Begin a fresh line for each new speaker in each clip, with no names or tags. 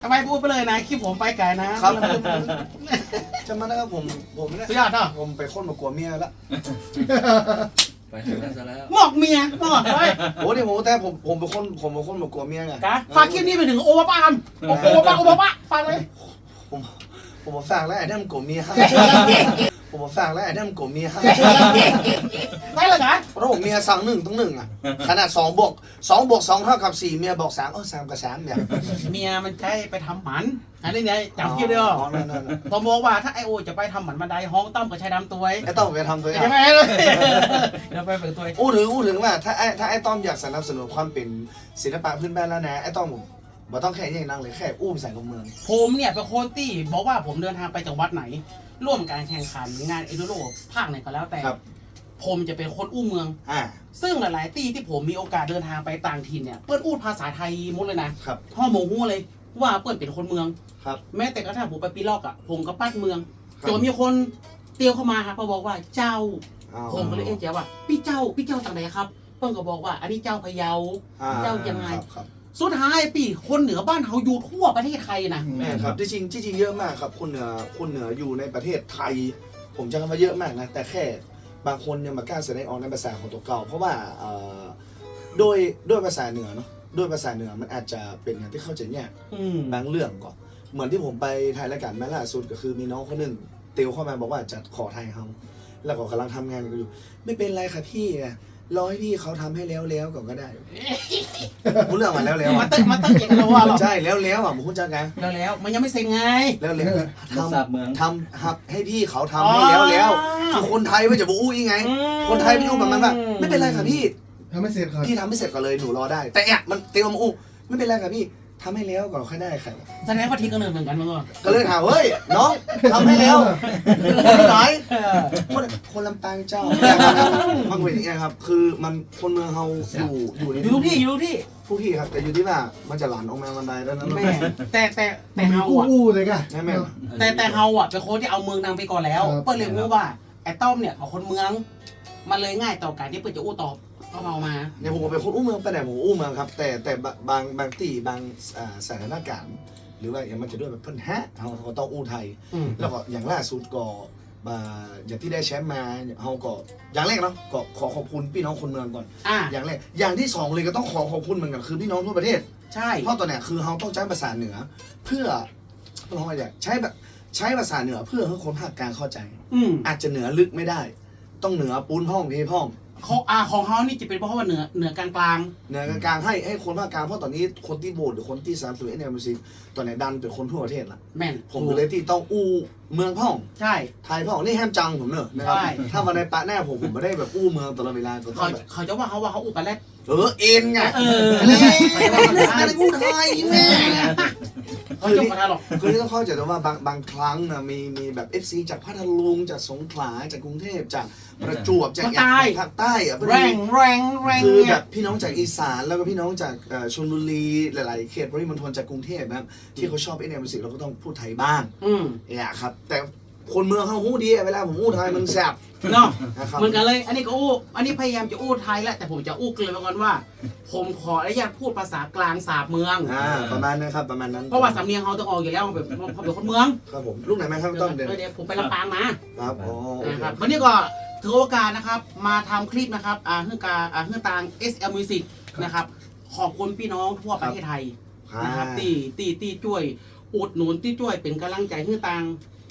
ทำไมพูดไปเลยนะคลิปผมไปไกลนะครับ
จะมานะครับผมเนี่ย
สุดยอดเนาะ
ผมไปค้นมากลัวเมียแล้ว
ไปถึงนั้นซะแล้ว
หมอกเมียหมอกเลย
โอ้ดิผมแต่ผมไปค้นมากลัวเมียไง
กะฝากคลิปนี้ไปถึงโอวาป้ากันโอวาป้าฟังเลย
ผมมาฝากแล้วไอ้นั่นมันกลัวเมียผมมาฝากแล้วไอ้นั่นมันกลัวเมีย
ได้เลยนะ
เพราะผมเมียสั่ง1ต้อง1อ่ะขนาด2บวก2เท่ากับ4เมียบอก33กับ3เนี่ย
เมียมันใช้ไปทำหมันอันนี้ไงจำคลิปได้หรอ
นั่น
ผมบอกว่าถ้าไอโอจะไปทำหมันบันไดห้องต้อมกับชายดำตัว
ไอ้ต้อมไปทำตัวเอง
ใช่ไหมเลยเดี๋ยวไปฝึกตัว
อู้ถึงว่าถ้าไอ้ต้อมอยากสนับสนุนความเป็นศิลปะพื้นบ้านแล้วนะไอ้ต้อมผมบ่ต้องแค่อย่างนั่งเลยแค่อู้ภาษาของเมือง
ผมเนี่ยเป็นคนที่บอกว่าผมเดินทางไปจังหวัดไหน ร่วมการแข่งขันงานเอโดโรภาคไหนก็แล้วแต่
ครับ
ผมจะเป็นคนอู้เมือง ซึ่งหลายๆที่ที่ผมมีโอกาสเดินทางไปต่างถิ่นเนี่ยเปิ้ลพูดภาษาไทยหมดเลยนะครับ พ่อโมงูเลยว่าเปิ้ลเป็นคนเมือง
ครับ
แม้แต่กระทั่งผมไปปีลอกอ่ะผมก็ปั้นเมือง
ครับ
จนมีคนเตียวเข้ามาครับเขาบอกว่าเจ้า
อ้าว
ผมก็เลยเอ๊ะเจ๊ว่าพี่เจ้าจากไหนครับเปิ้ลก็บอกว่า อันนี้เจ้าพะเยา เจ้ายังไง
ครับ
สุดท้ายปีคนเหนือบ้านเขาอยู่ทั่วประเทศไทยนะ
แม่ครับที่จริงเยอะมากครับคนเหนืออยู่ในประเทศไทย ผมจะคำว่าเยอะมากนะแต่แค่บางคนยังมากล้าแสดงออกในภาษาของตัวเก่าเพราะว่าด้วยภาษาเหนือเนาะด้วยภาษาเหนือมันอาจจะเป็นอย่างที่เข้าใจยาก บางเรื่องก่อนเหมือนที่ผมไปถ่ายรายการแม่ล่าสุดก็คือมีน้องคนหนึ่งเตียวเข้ามาบอกว่าจะขอไทยเขาแล้วก็กำลังทำงานกันอยู่ไม่เป็นไรค่ะพี่นะรอให้พี่เขาทำให้แล้วก่อนก็ได้พูดเรื่องมาแล้ว
มาเต้นเก่งกันแล้วว่าหรอ
ใช่แล้วอ่ะผมพูดจังไง
แล้วมันยังไม่เสร็จไง
แล้ว
รักษาเมือง
ทำให้พี่เขาทำให้แล้วคือคนไทยไม่จะบอกอู้ยังไง คนไทยไม่อู้แบบมันว่าไม่เป็นไรค่ะพี่
ทำไม่เสร็จครับ
พี่ทำไม่เสร็จก่อนเลยหนูรอได้ แต่เนี่ยมันเตียวมาอู้ไม่เป็นไรค่ะพี่ทำให้แล้วก่อนค่อยได้ค่ะ
แสดงว่าทีก็เนินเหมือนกันมั้งวะ
ก็เลยถามเฮ้ยน้องทำให้แล้วที่ไหนคนลำปางเจ้ามันเป็นอย่างนี้ครับคือมันคนเมืองเขาอยู่ใน
อยู่ทุกที่
ผู้ที่ครับแต่อยู่ที่ว่ามันจะหลานออกมาบันไดแล้วนะ
แม่แต่
มันมี
เฮา
กู้
อ่ะ
อู้เลยก่ะ
แม่
แต่เฮาอ่ะเป็นคนที่เอาเมืองนำไปก่อนแล้ว
ครับ
เปิ้ลเลยรู้ว่าไอ้ต้อมเนี่ยของคนเมืองมันเลยง่ายต่อการที่เปิ้ลจะอู้ตอบเอามา
เนี่ยผมเป็นคนอู้เมืองไปไหนผมอู้เมืองครับแต่บางที่บางสถานการณ์หรือว่าอย่างมันจะด้วยแบบเพิ่นเขาก็ต้องอู้ไทย แล้วก็อย่างล่าสุดก็อย่างที่ได้แชมป์มาเขาก็อย่างแรกเนาะก็ขอขอบคุณพี่น้องคนเมืองก่อน อย่างแรกอย่างที่สองเลยก็ต้องขอขอบคุณเหมือนกันคือพี่น้องทั่วประเทศ
ใช่
เพราะตอนเนี้ยคือเขาต้องใช้ภาษาเหนือ เพื่อเราอะไรใช้ภาษาเหนือเพื่อให้คนภาคกลางเข้าใจ อาจจะเหนือลึกไม่ได้ ต้องเหนือปูนพ่องเทพ่อง
ของเขานี่จะเป็นเพราะว่าเหนือกลาง
เหนือกลางให้คนภาคกลางเพราะตอนนี้คนที่โหวตหรือคนที่สามสิบเอ็ดเนี่ยมันสิตอนนี้ดันเป็นคนทั่วประเทศละ
แม่น
ผมก็เลยที่ต้องอู้เมืองพ่อง
ใช่
ไทยพ่องนี่แฮมจังผมเนอะนะครับ
ใช่
ถ้าวันในปะแน่ผมไม่ได้แบบอู้เมืองตลอดเวลาก็ต้อ
เขา
งแบบ
เขาจะว่าเขาอุปแล้ว
เอ็นไง
เออ
เล่นอู้ไทยแม่
เขาจบมาทันหรอก
คือที่ต้องเข้าใจแต่ว่าบางครั้งนะมีแบบ FC จากพัทลุงจากสงขลาจากกรุงเทพจากประจวบจากภาคใต้อะ
แรง
คือ
เนี่
แบ
ย
บพี่น้องจากอีสานแล้วก็พี่น้องจากชลบุรีหลายๆเขตปริมณฑลจากกรุงเทพนะครับที่เขาชอบมิวสิกเราก็ต้องพูดไทยบ้างเนี่ยครับแต่คนเมืองเขาหู้ดีเวลาผมอู้ไทยมันแซ่บ
เนาะ
นะครับ
เหมือนกันเลย อันนี้ก็อู้อันนี้พยายามจะอู้ไทยแหละแต่ผมจะอู้เกลือมาก่อนว่า ผมขออนุญาตพูดภาษากลางสาบเมือง
ประมาณนั้นครับประมาณนั้น
เพราะว่าสำเนียงเขาต้องออกอยู่แล้วเขาเป็นคนเมือง
ครับผมลูกไหนไหมครับต้องเดิน
เดี๋ยวผมไปลำปางมา
ครับอ๋อโอเค
นะครับวันนี้ก็ถือโอกาสนะครับมาทำคลิปนะครับเฮือตาง SL Music นะครับขอบคุณพี่น้องทั่วประเทศไทยนะครับตีช่วยอุดหนุนที่ช่วยเป็นกำลังใจให้ตาง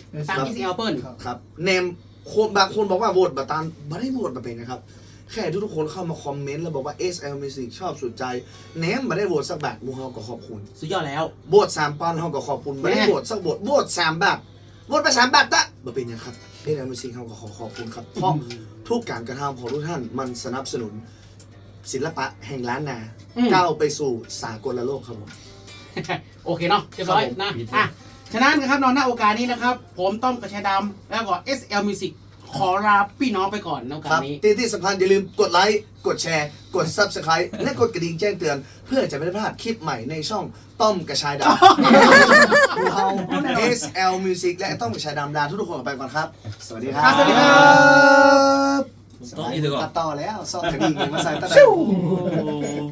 SL เปิ้ล
ครับเนมคนบางคนบอกว่าโหวตบัตตันไม่ได้โหวตมาเป็นนะครับแค่ทุกคนเข้ามาคอมเมนต์แล้วบอกว่า SL Music ชอบสุดใจเนมไม่ได้โหวตสักบาทมูเฮาก็ขอบคุณ
สุดยอดแล้ว
โหวต3 ปอนด์เฮาก็ขอบคุณไม่ได้โหวตสักโหวต3 บาทโหวตไป3 บาทละบ่เป็นยังครับ SL Music เฮาก็ขอบคุณครับเพราะทุกการกระทำของทุกท่านมันสนับสนุนศิลปะแห่งล้านนาก้าวไปสู่สากลโลกครับผม
โอเคเนาะเรียบร้อยนะฉะนั้นนะครับนอนหน้าโอกาสนี้นะครับผมต้อมกระชายดำแล้วก็ SL Music ขอลาพี่น้องไปก่อนในโอกาสนี้
ที่สำคัญอย่าลืมกดไลค์กดแชร์กด Subscribe และกดกระดิ่งแจ้งเตือน เพื่อจะไม่พลาดคลิปใหม่ในช่องต้อมกระชายดำเรา SL Music และต้อมกระชายดำลาทุกคนออกไปก่อนครับ สวัสดีครับ
สวัสดีครับ
ต้องอีกดีกว่า
ตัดต่อแล้วซ่อมกระดิ่งมาใส่ตั้งแต่